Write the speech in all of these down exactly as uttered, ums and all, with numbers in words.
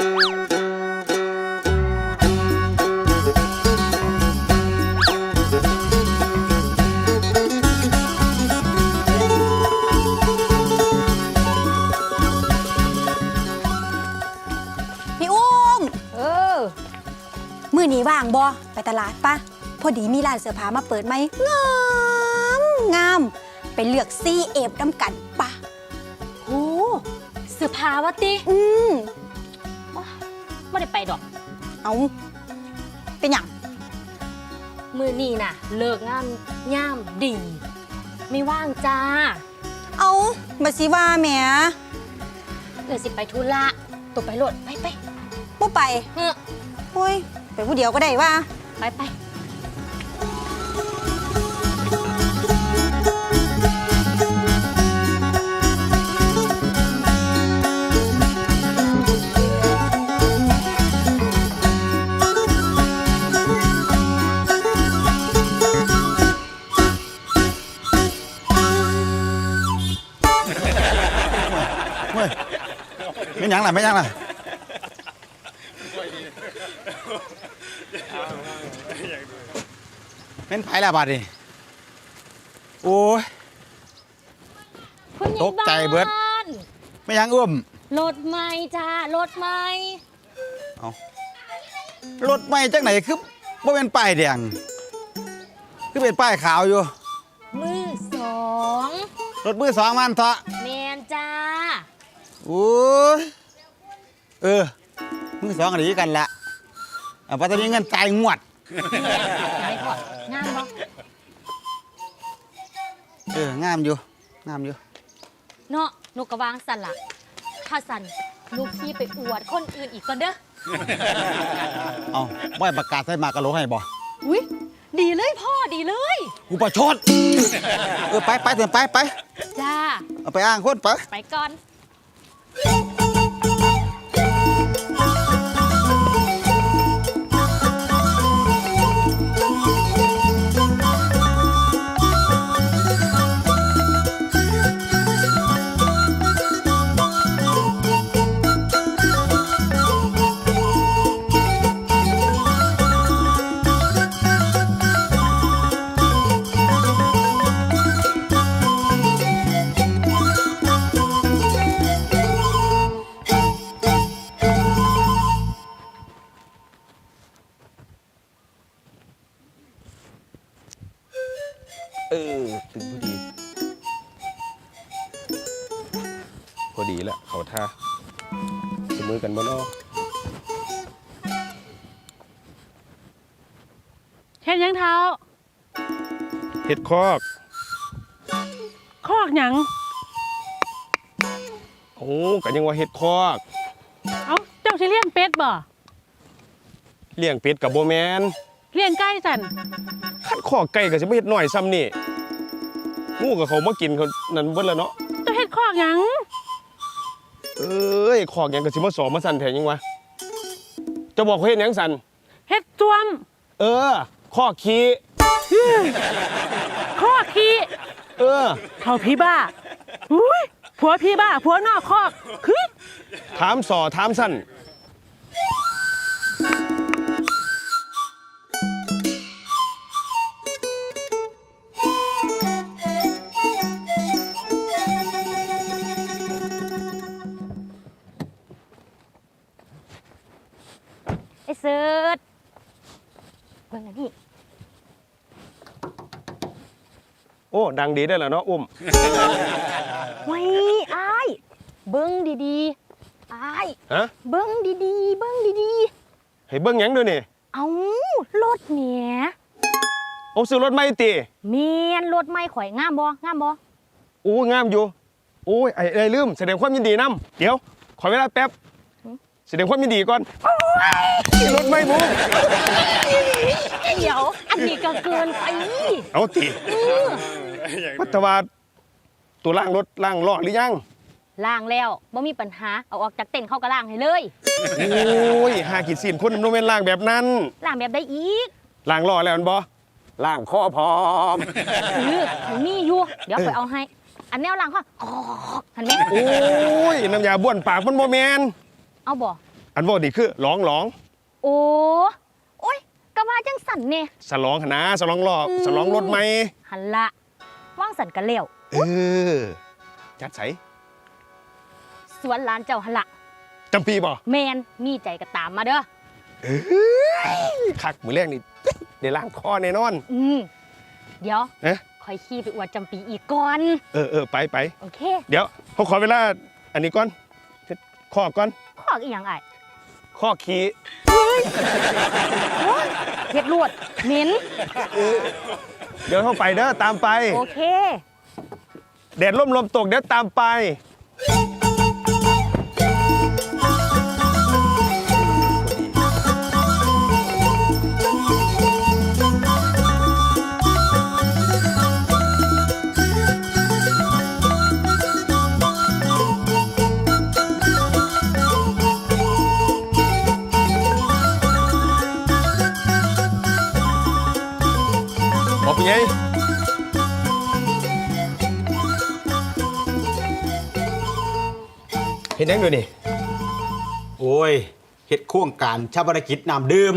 มื้อนี้ว่างบ่ไปตลาดปะพอดีมีร้านเสื้อผ้ามาเปิดไหมงามงามไปเลือกซีเอฟน้ำกันปะโอ้เสื้อผ้าวะติอืมไม่ได้ไปดอกเอาเป็นหยังมื้อนี้น่ะเลิกงานย่ามดีไม่ว่างจ้าเอาบ่สิว่าแหมเดี๋ยวสิไปธุระตัวไปโลดไปไปบ่ไปเฮ้อโอ้ยไปผู้เดียวก็ได้ว่าไปไปไม่ยังล่ะไม่ยังล่ะเป็นไผ่ละบาดนี่โอ้ยตกใจเบิดไม่ยังเอื้อมรถใหม่จ้ารถใหม่เอารถใหม่จากไหนคือบ่เป็นป้ายแดงคือเป็นป้ายขาวอยู่มือสองรถมือสองมันเถอะแมนจ้าโอ้ยเออมือสองกันดีกันละเอาไปตอนนี้เงินจ่ายงวดงามบ่เอองามอยู่งามอยู่เนาะนกกระวางสันละถ้าสันลูกพี่ไปอวดคนอื่นอีกก่อนเด้อเอาบ่อยประกาศใส่มากระโหลกให้บ่อุ้ยดีเลยพ่อดีเลยกูประชดเออไปไปเถอะไปไปจ้าเอาไปอ้างคนไปไปก่อนเออตึงพอดีพอดีแล้วเขาท่าจะมือกันบ่เนาะเฮ็ดยังเท้าเฮ็ดคอกคอกหยังโอ้ก็ยังว่าเฮ็ดคอกเอ้าเจ้าสิเลี้ยงเป็ดบ่เลี้ยงเป็ดกับโบแมนเลี้ยงไก่สั่นคัดคอกไก่ก็สิบ่เฮ็ดน้อยซ้ำนี่งูกับเขามากินเขานั่นเบิดแล้วเนาะเจ้าเฮ็ดคอกหยังเอ้ยคอกหยังก็สิมาสอมาสั่นแท้ยังวะจะบอกเขาเฮ็ดหยังสั่นเฮ็ดจ้วมเออคอกขี้คอกขี้เออเขาพี่บ้าอุ้ยผัวพี่บ้าผัวนอกคอกคือถามสอถามสั่นไอ้เสิร์ชเบิ่งอันนี้โอ้ดังดีได้แล้วเนาะอุ้มไว้อ้ายเบิ่งดีๆอ้ายฮะเบิ่งดีๆเบิ่งดีๆให้เบิ่งหยังด้วยนี่เอารถแหมโอ้ซื้อรถใหม่ติแม่นรถใหม่ข่อยงามบ่งามบ่โอ้งามอยู่โอ้ยไอ้ไอ้ลืมแสดงความยินดีนำเดี๋ยวขอเวลาแป๊บแสดงความยินดีก่อนรถไม่บุ้งเดี๋ยวอันนี้ก็เกินไปเอาติพัฒวาตัวล่างรถล่างล้อหรือยังล่างแล้วบ่มีปัญหาเอาออกจากเต็นท์เข้าก็ล่างให้เลยโอ้ยหากินสินคนโนเมนล่างแบบนั้นล่างแบบได้อีกล่างล้อแล้วมันบ่ล่างข้อพร้อมเออมีอยู่เดี๋ยวไปเอาให้อันแนวล่างข้อหันไหมโอ้ยน้ำยาบ้วนปากมันโมแมนเอาบ่อันว่านี่คือร้องร้องโอ้โอ้ยกะว่าจังสันเนี่ยสลองหนนะสลองลอกสลองรถไหมหันละว่างสันกันเลี้ยวเออจัดใสสวนหลานเจ้าหันละจำปีบ่แมนมีใจก็ตามมาเด้อเอ้ยคักมือแรกนี่ได้ล้างคอแน่นอนอืมเดี๋ยวเอ๊ะคอยขี้ไปอวดจำปีอีกก่อนเออเออไปไปโอเคเดี๋ยวเขาขอเวลาอันนี้ก่อนข้อก่อนขอกอีหยังไอ้ข้อขี้เฮ็ดลวดเหม็นเดี๋ยวเข้าไปเด้อตามไปโอเคแดดร่มลมตกเดี๋ยวตามไปบอกเป็นไง เห็นยังดูนี่โอ้ยเฮ็ดโครงการชาปนกิจน้ำดื่ม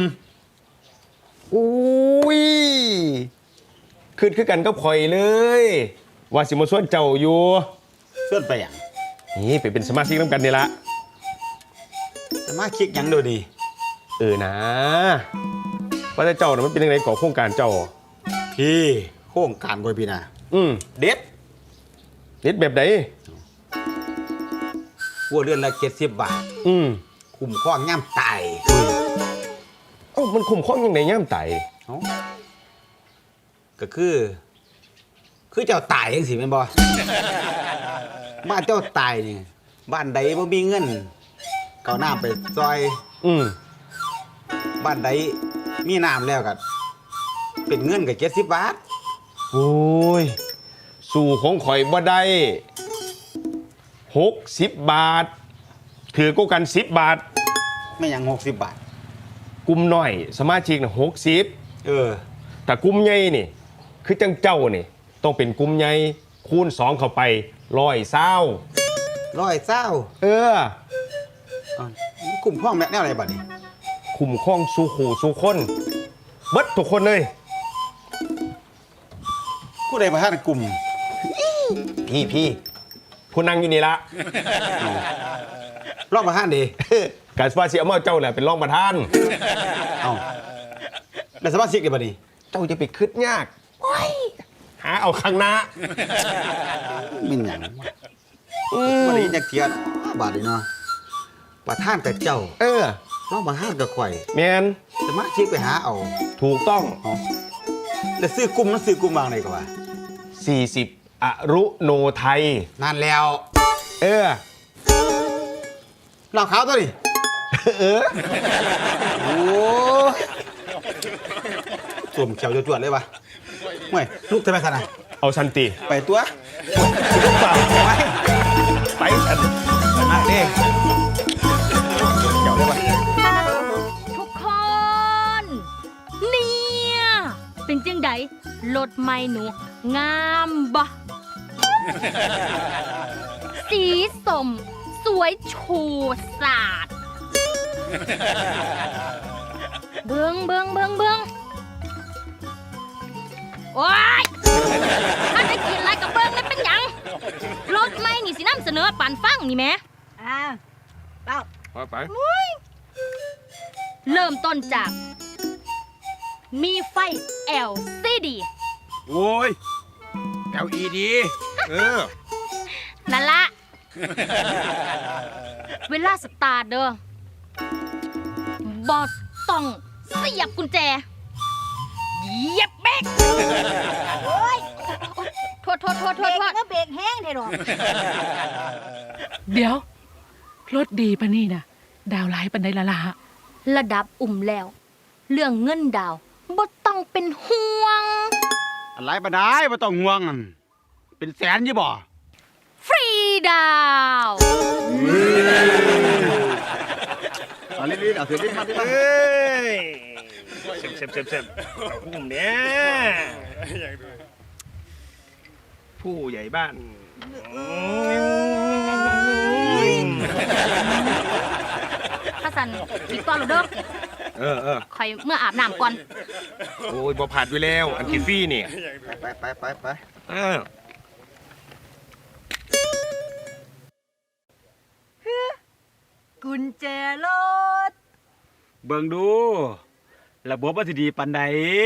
อุ้ยคือคือกันกับข่อยเลย ว่าสิมาส่วนเจ้าอยู่เสื่อนไปหยังนี่ไปเป็นสมาชิกน้ำกันนี่ละสมาคิกหยังเดูนี่เออนะว่าแต่เจ้าน่ะมันเป็นยังไงก่อโครงการเจ้าพี่โครงการกอยพี่นะอืมเด็ดเน็ดแบบไหนวัวเรือนละเจ็ดสิบบาทอืมคุ้มครองย่ำตายเอ้ามันคุ้มครองยังไงย่ามไตเอ้าก็คือ คือเจ้าตายยังสิแม่นบ่ บ้านเจ้าตายนี่บ้านใดบ่มีเงินก็เอาน้ำไปซอยอืมบ้านใดมีน้ำแล้วก็เป็นเงินก็เจ็ดสิบบาทโอ้ยสู่ของข่อยบ่ได้หกสิบบาท ถือกูกันสิบบาทไม่หยังหกสิบบาทกลุ่มน้อย สมาชิกน่ะหกสิบเออแต่กลุ่มใหญ่นี่ คือจังเจ้านี่ ต้องเป็นกลุ่มใหญ่คูณสองเข้าไปร้อยเศร้าร้อยเศร้าเอออ้าวกลุ่มห้องแม่แนวอะไรบัดนี้คุ้มครองสู่ขู่สู่คนเบิดทุกคนเลยผู้ใดประธานกลุ่มพี่พี่ผู้นั่งอยู่นี่ละรองประธานดีการสปาเซียมาเจ้าแหละเป็นรองประธานเอ้าแล้วสมาชิกได้บัดนี้เจ้าจะไปคืดยากหาเอาข้างหน้ามินหยังวันนี้จักเทียนบาดนี้เนาะประธานกับเจ้าเออรองประธานกับข่อยแมนสมาชิกไปหาเอาถูกต้องเอ้าแล้วซื้อกลุ่มนั้นซื้อกลุ่มวางไหนก็ว่าสี่สิบอรุโนไทยนั่นแล้วเออเหล่าขาวตัวนี้เออโอ้สวมเขียวจวดๆเลยวะเมื่อยลูกทำไมขนาดเอาสันติไปตัวเปล่าไปไปสันอ่ะนี่เขียวเลยวะทุกคน เนี่ยเป็นจังไดรถไม่หนู งามบ่ สีสม สวยชูสาด เบิงเบิงเบิงเบิงโอ๊ยถ้าได้กินอะไรกับเบิงนั่นเป็นหยังรถไม่นี่สินำเสนอปันฟังนี่แหมอ่าเป้าไปเริ่มต้นจาก มีไฟ แอล ซี ดีโอ้ย แอล อี ดีเออนั่นละ เวลาสตาร์ทเด้อ บอต้องเสียบกุญแจเหยียบเบรกโอ้ยโทษโทษโทษโทเบรษกโทษก็เบรกแห้งเถอะหรอกเดี๋ยว รถดีปะนี่นะดาวไลฟ์ปันไดละละระดับอุ่มแล้ว เรื่องเงินดาวบ่ต้องเป็นห่วงอะไรปะได้ไม่ต้องห่วง เป็นแสนยี่บ่ฟรีดาวเอาลิ้นๆเอาเสียลิ้นมาดิเฮ้ยเซ็บเซ็บเซ็บเซ็บผู้เนี้ยผู้ใหญ่บ้านภาสันอีกตอนเราเด้อเออเออคอยเมื่ออาบน้ำก่อนโอ้ยบ่ผ่านไปแล้ว อันกินฟรีนี่ไปไปไปไปเออกุญแจรถเบิ่งดู ระบบว่าสิดีปานใด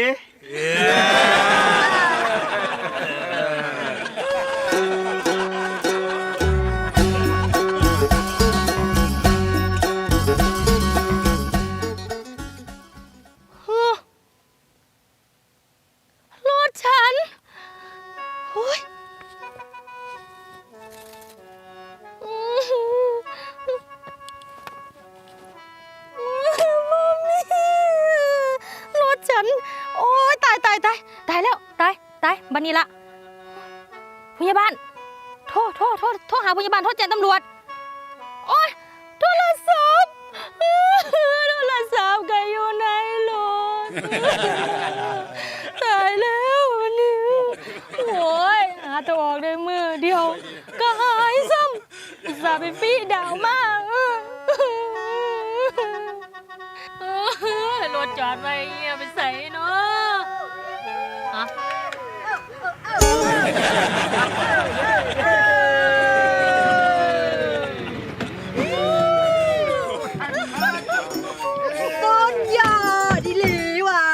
รถฉันโอ้ยมัมมี่รถฉัน โอ้ยตายตายตายตายแล้ว ตายตายบันนี้ละพยาบาล โทษโทษโทษโทษหาพยาบาล โทษแจ้งตำรวจ โอ้ยโทรศัพท์โทรศัพท์ก็อยู่ในรถ ตายแล้ววันนี้โอ้ยหาตัวออกได้มือเดียว ก็หายซ้ำอุตส่าห์ไปฟีดาวมากรถจอดไว้เงียไปใส่เนาะฮะต้นยาดิหลีว่ะ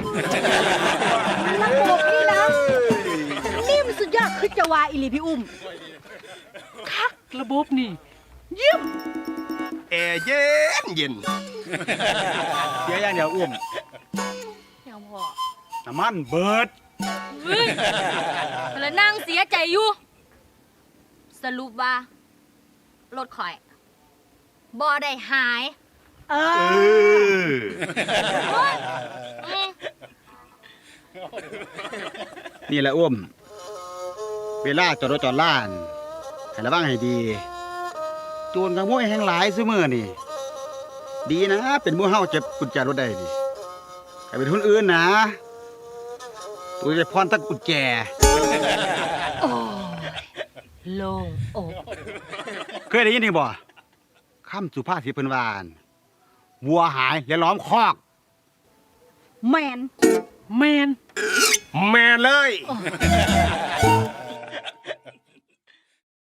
ระบบนี่นะนี่มันสุดยอดคือจะวาอิลีพี่อุ้มคักระบบนี่ เยี่ยมแอร์เย็นเย็นเสียอย่างเดียวอุ้มเดี๋ยวพ่อน้ำมันเบิดเฮ้ยแล้วนั่งเสียใจอยู่ สรุปว่า รถข่อยบ่ได้หายเอเออออืมนี่แหละอุ้ม เวลาจอดรถจอดล้าน ให้ระวังให้ดี โจรขโมยแห่งหลายซุมื้อนี่ ดีนะ เป็นหมู่เฮาเจ็บกุญแจรถได้นี่ถ้าเป็นคนอื่นนะ ตัวจะพรตั้งกุญแจโอ้ยโล่งอกเคยได้ยินนี่บ่คำสุภาษิตเพิ่นว่าอั่นวัวหายอย่าล้อมคอกแมนแมนแม่เลยโอ้